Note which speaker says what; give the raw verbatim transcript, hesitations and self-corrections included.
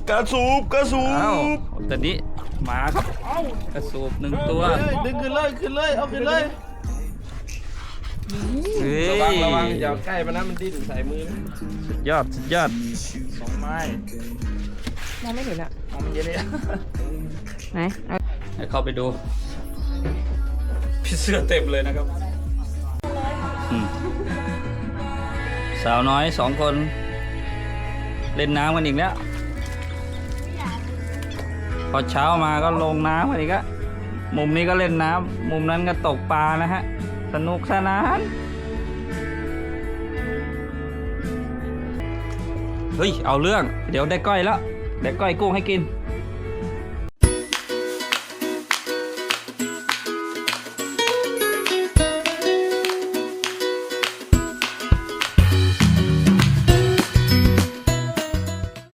Speaker 1: กระสูบกระสูบ
Speaker 2: ตอนนี้มาครับกระสูบหนึ่งตัว
Speaker 3: ดึงขึ้นเลยขึ้นเลยเอาขึ้นเลย
Speaker 2: ระวังระวัง
Speaker 3: อย่าใกล้มันนะมันดิ้นใส่มือ
Speaker 2: สุดยอดสุดยอด
Speaker 3: สองไม้
Speaker 4: มองไม่เห็นอะ
Speaker 3: มองมันเยอะเลย
Speaker 4: ไหน
Speaker 2: ให้เข้าไปดูพี่เสื้อเต็มเลยนะครับสาวน้อยสองคนเล่นน้ำกันอีกแล้วพอเช้ามาก็ลงน้ำกันอีกแล้วมุมนี้ก็เล่นน้ำมุมนั้นก็ตกปลานะฮะสนุกสนานเฮ้ยเอาเรื่องเดี๋ยวได้ก้อยแล้วได้ก้อยกุ้งให้กิน